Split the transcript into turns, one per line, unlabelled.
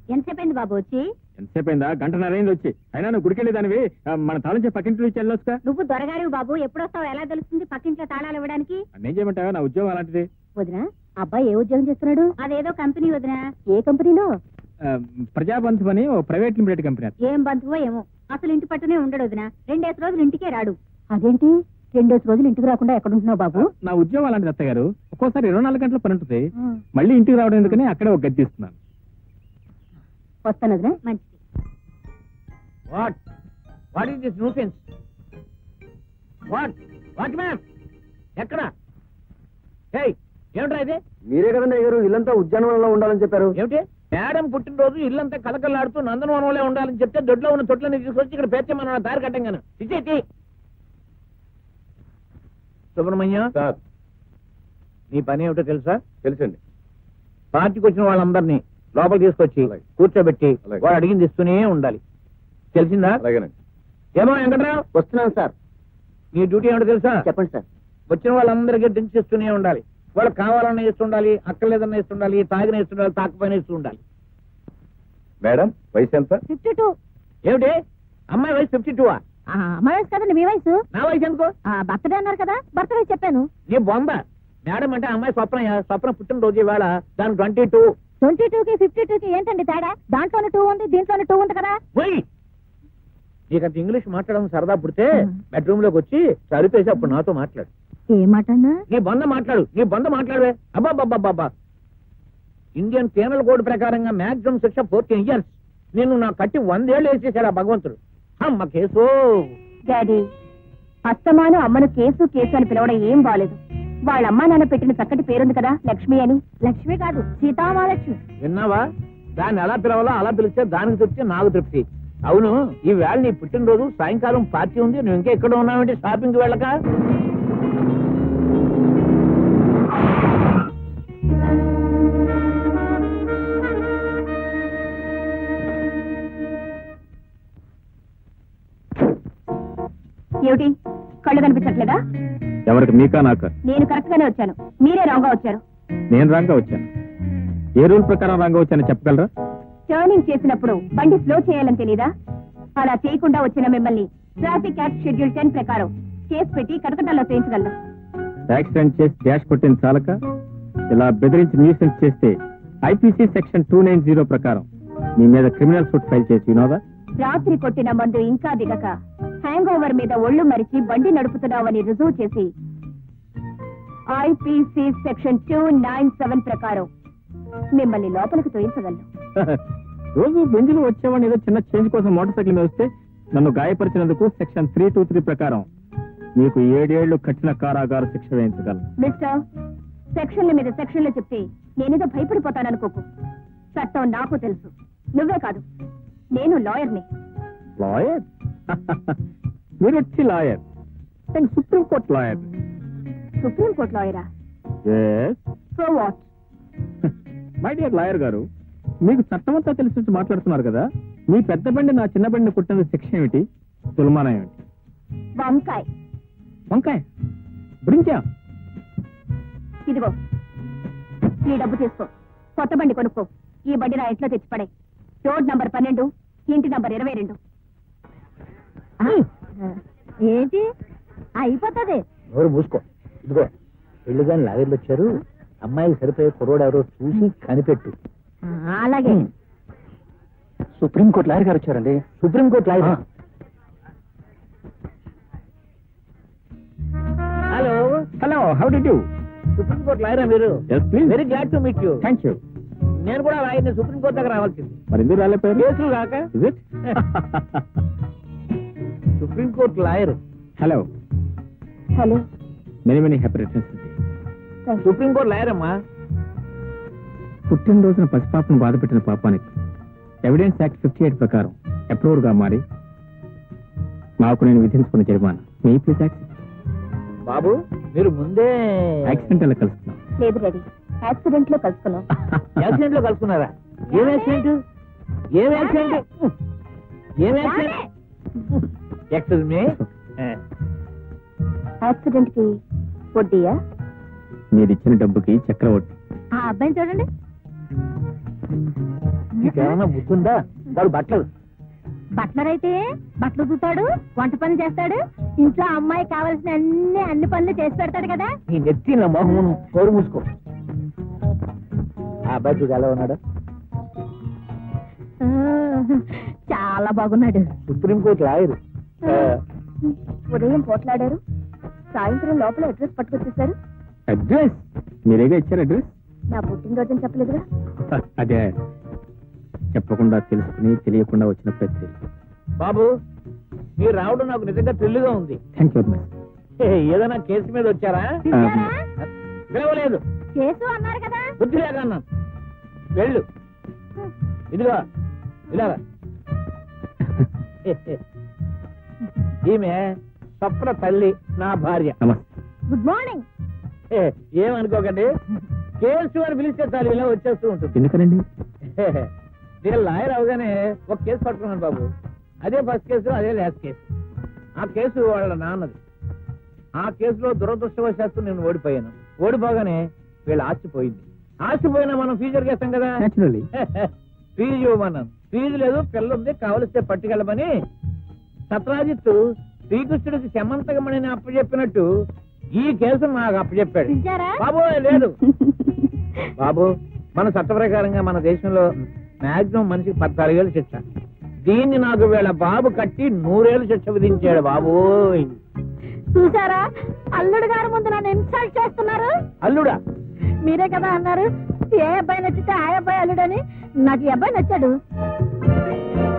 ఎంతసేపు బాబు వచ్చి?
ఎంతసేపు అయిందా? గంటన్నరైంది వచ్చి. అయినా నువ్వు గుడికెళ్ళి దానివి మన తాళించే పక్కింట్లో ఇచ్చి వెళ్ళొచ్చుగా.
నువ్వు దొరగారు బాబు, ఎప్పుడొస్తావు ఎలా తెలుస్తుంది పక్కింట్లో తాళాలు ఇవ్వడానికి?
నేను చేయమంటావా? నా ఉద్యోగం అలాంటిది.
వదినా, అబ్బాయి ఏ ఉద్యోగం చేస్తున్నాడు? అదేదో కంపెనీ వదినా. ఏ కంపెనీలో?
ప్రజాబంధు అని ఓ ప్రైవేట్ లిమిటెడ్ కంపెనీ.
ఏం బంధువో ఏమో, అసలు ఇంటి పట్టునే ఉండడు వదినా. 2 రోజులు ఇంటికే రాడు. అదేంటి 2 రోజులు ఇంటికి రాకుండా ఎక్కడ ఉంటున్నావు బాబు?
నా ఉద్యోగం అలాంటిది అత్తయ్య గారు. ఒక్కోసారి 24 గంటల పని ఉంటుంది. మళ్ళీ ఇంటికి రావడం ఎందుకని అక్కడే ఒక గది తీస్తున్నాను.
వస్తాను వదినా. మంచిది.
What is this nuisance? What ma'am ఎక్కడ? ఏమిట్రా ఇది?
మీరే కదండి అయ్యారు ఇల్లంతా ఉద్యానవనంలో ఉండాలని చెప్పారు.
ఏమిటి మేడం పుట్టినరోజు ఇల్లంతా కలకలాడుతూ నందనవనంలో ఉండాలని చెప్తే దొడ్లో ఉన్న తొట్లని తీసుకొచ్చి ఇక్కడ పేర్చమన్న దారి కట్టంగాను. ఇచ్చేటి సుబ్రహ్మణ్యం, నీ పని ఏమిటో తెలుసా?
తెలుసండి.
పార్టీకి వచ్చిన వాళ్ళందరినీ లోపల తీసుకొచ్చి కూర్చోబెట్టి వాడు అడిగింది ఇస్తూనే ఉండాలి. తెలిసిందా?
అలాగేనండి.
ఏమో వెంకట్రావు,
వస్తున్నాను సార్.
నీ డ్యూటీ ఏమిటో తెలుసా?
చెప్పండి సార్.
వచ్చిన వాళ్ళందరికీ డ్రింక్స్ ఇస్తూనే ఉండాలి. వాళ్ళు కావాలన్నా ఇస్తుండాలి, అక్కర్లేదన్నా ఇస్తుండాలి, తాగిన ఇస్తుండాలి, తాకపోయినా ఇస్తూ ఉండాలి.
మేడం వయసు ఎంత?
52.
ఏమిటి అమ్మాయి వయసు 52?
అమ్మాయి వయసు కదండి మీ వయసు.
నా వయసు ఎందుకు?
బర్త్డే అన్నారు కదా, బర్త్ వయసు చెప్పాను.
నీ బొంద. మేడం అంటే అమ్మాయి స్వప్న పుట్టినరోజు ఇవాళ. దానికి 22.
22కి 52కి ఏంటండి తేడా? దాంట్లోనే 2 ఉంది, దీంట్లోనే 2 ఉంది కదా.
నీకంత ఇంగ్లీష్ మాట్లాడడం సరదా పుడితే బెడ్రూమ్ లోకి వచ్చి సరిపేసి అప్పుడు నాతో మాట్లాడు.
ఏ మాట?
నీ బొంద మాట్లాడు, నీ బొంద మాట్లాడవే. అబ్బాబ్బాబ్బా, ఇండియన్ పీనల్ కోడ్ ప్రకారంగా మాక్సిమం శిక్ష 14 years. నిన్ను నా కట్టి 100 ఏళ్ళు వేసేసాడు ఆ భగవంతుడు. అమ్మ కేసు.
డాడీ, అస్తమాను అమ్మను కేసు కేసు అని పిలవడం ఏం బాలేదు. వాళ్ళ అమ్మా నాన్న పెట్టిన చక్కటి పేరుంది కదా, లక్ష్మి అని. లక్ష్మి కాదు, సీతామహాలక్ష్మి.
విన్నావా? దాన్ని ఎలా పిలవాలో అలా పిలిస్తే దానికి తృప్తి, నాకు తృప్తి. అవును, ఈ వేళ నీ పుట్టినరోజు, సాయంకాలం పార్టీ ఉంది. నువ్వు ఇంకా ఎక్కడ ఉన్నావంటే షాపింగ్కి వెళ్ళక?
ఏమిటి కళ్ళు కనిపించట్లేదా?
ఎవరికి? మీకా నాకా?
నేను కరెక్ట్ గానే వచ్చాను, మీరే రాంగ్ గా వచ్చారు.
నేను రాంగ్ గా వచ్చాను. ఏ రూల్ ప్రకారం రాంగ్ గా వచ్చానో చెప్పగలరా?
టర్నింగ్ చేసినప్పుడు బండి స్లో చేయాలని తెలీదా? అలా చేయకుండా వచ్చిన మిమ్మల్ని ట్రాఫిక్ యాక్ట్ షెడ్యూల్ 10 ప్రకారం కేసు పెట్టి కటకటాల్లో చేయించగలను.
యాక్సిడెంట్ చేసి డాష్ కొట్టింది చాలక ఇలా బెదిరించి న్యూసెన్స్ చేస్తే ఐపీసీ సెక్షన్ 290 ప్రకారం మీ మీద క్రిమినల్ సూట్ ఫైల్ చేసి వినోదా?
రాత్రి కొట్టిన మందు ఇంకా దిగక హ్యాంగ్ ఓవర్ మీద ఒళ్ళు మరిచి బండి నడుపుతున్నావని రుజువు చేసి ఐపీసీ సెక్షన్ 297 ప్రకారం మిమ్మల్ని లోపలికి తోయించగలను.
రోజు బెంజులు వచ్చేవాడిని ఏదో చిన్న చేంజ్ కోసం మోటార్ సైకిల్ మీద వస్తే నన్ను గాయపరిచినందుకు సెక్షన్ 323 ప్రకారం మీకు 7 ఏళ్లు కఠిన కారాగార శిక్ష వేయించగలను.
మిస్టర్, సెక్షన్ల మీద సెక్షన్లు చెప్తే నేనేదో భయపడిపోతాననుకోకు. చట్టం నాకు తెలుసు, నువ్వే కాదు, నేను లాయర్ని.
లాయర్? మీరు వచ్చి లాయర్? Supreme court lawyer.
సుప్రీంకోర్టు లాయరా? So what?
My dear lawyer గారు, మీకు చట్టమంతా తెలిసి మాట్లాడుతున్నారు కదా. మీ పెద్ద బండి నా చిన్న బండిని కుట్టిన శిక్ష ఏమిటి? తులమానం ఏమిటి?
వంకాయ్.
వంకాయ? బ్రింజా?
ఇదిగో ఈ డబ్బు తీసుకో, కొత్త బండి కొనుక్కో. ఈ బండి నా ఇంట్లో తెచ్చిపడే. రోడ్ నంబర్ 12, ఇంటి నంబర్ 22. ఏంటి అయిపోతుంది?
ఎవరు మూసుకో. ఇదిగో పెళ్లి గాని లాగర్లు వచ్చారు. అమ్మాయికి సరిపోయే కుర్రోడు ఎవరో చూసి కనిపెట్టు.
అలాగే.
సుప్రీంకోర్టు లాయర్ గారు వచ్చారండి.
Supreme court lawyer? Hello
hello, how do you?
Supreme court లాయరా మీరు? Very glad to meet you.
Thank you.
నేను కూడా లాయర్ని. సుప్రీంకోర్టు దగ్గర రావాల్సింది.
మరి ఎందుకు రాలేపోయారు?
కేసులు కాక. Supreme court lawyer.
Hello
hello.
Many many happy returns.
Supreme court lawyer అమ్మా.
పుట్టినరోజున పసిపాపను బాధ పెట్టిన పాపానికి ఎవిడెన్స్ యాక్ట్ 58 ప్రకారం అప్రూవర్ గా మారి నాకు నేను విధించుకున్న జరిమానా మీ ప్లీజ్ యాక్ట్.
బాబు మీరు ముందే
యాక్సిడెంట్ ఎలా కలుస్తున్నాం?
లేదు డాడీ, యాక్సిడెంట్ లో కలుసుకున్నాం.
యాక్సిడెంట్ లో కలుసుకున్నారా? ఏం యాక్సిడెంట్? ఏం యాక్సిడెంట్? ఏం యాక్సిడెంట్? Excuse me.
యాక్సిడెంట్ కి వడ్డీయా?
మీరు ఇచ్చిన డబ్బుకి చక్రవడ్డీ.
ఆ అబ్బాయిని చూడండి.
నీకేమన్నా బుద్ధుందా? వాడు బట్టలు
బట్లర్ అయితే బట్టలు చూతాడు, వంట పనులు చేస్తాడు, ఇంట్లో అమ్మాయి కావాల్సిన అన్ని పనులు చేసి పెడతాడు కదా.
నీ నెత్తి నా మొహమును కోరు మూసుకో. ఆ అబ్బాయి చూడు ఎలా ఉన్నాడు?
చాలా బాగున్నాడు.
Supreme court lawyer.
ఉదయం పోట్లాడారు, సాయంత్రం లోపల అడ్రస్ పట్టుకొచ్చేసారు.
అడ్రస్ మీరేగా ఇచ్చారు అడ్రస్?
నా పుట్టినరోజు చెప్పలేదుగా.
అదే చెప్పకుండా తెలుసుకుని తెలియకుండా వచ్చిన ప్రతి.
బాబు మీరు రావడం నాకు నిజంగా థ్రిల్గా ఉంది.
Thank you.
ఏదైనా కేసు మీద వచ్చారా? పిలవలేదు.
కేసు అన్నారు కదా.
బుద్ధి లేక అన్నాను. వెళ్ళు. ఇదిగో ఇలాగా. ఈమె స్వప్న తల్లి, నా భార్య.
నమస్తే.
Good morning.
ఏమనుకోకండి, కేసు అని పిలిస్తే చాలు ఇలా వచ్చేస్తూ ఉంటుంది.
ఎందుకనండి?
నేను లాయర్ అవగానే ఒక కేసు పట్టుకున్నాను బాబు. అదే ఫస్ట్ కేసు, అదే లాస్ట్ కేసు. ఆ కేసు వాళ్ళ నాన్నది. ఆ కేసులో దురదృష్టవశాత్తు నేను ఓడిపోయాను. ఓడిపోగానే వీళ్ళ ఆస్తి పోయింది. ఆస్తి పోయినా మనం ఫ్యూచర్ చేస్తాం కదా.
Naturally.
ఫీజు ఇవ్వమన్నాను. ఫీజు లేదు, పిల్లుంది, కావలిస్తే పట్టుకెళ్ళమని సత్రాజిత్తు శ్రీకృష్ణుడికి శమంతకమణిని అప్పచెప్పినట్టు ఈ కేసు నాకు అప్పచెప్పాడు.
పిలిచారా?
బాబు లేదు. బాబు మన చట్ట ప్రకారంగా మన దేశంలో మాక్సిమం మనిషికి 14 ఏళ్ళు శిక్ష. దీన్ని నాకు వీళ్ళ బాబు కట్టి 100 ఏళ్ళు శిక్ష విధించాడు. బాబు
చూసారా, అల్లుడు గారు ముందు నన్ను ఇన్సల్ట్ చేస్తున్నారు.
అల్లుడా?
మీరే కదా అన్నారు ఏ అబ్బాయి నచ్చితే ఆ అబ్బాయి అల్లుడని. నాకు ఈ అబ్బాయి నచ్చాడు.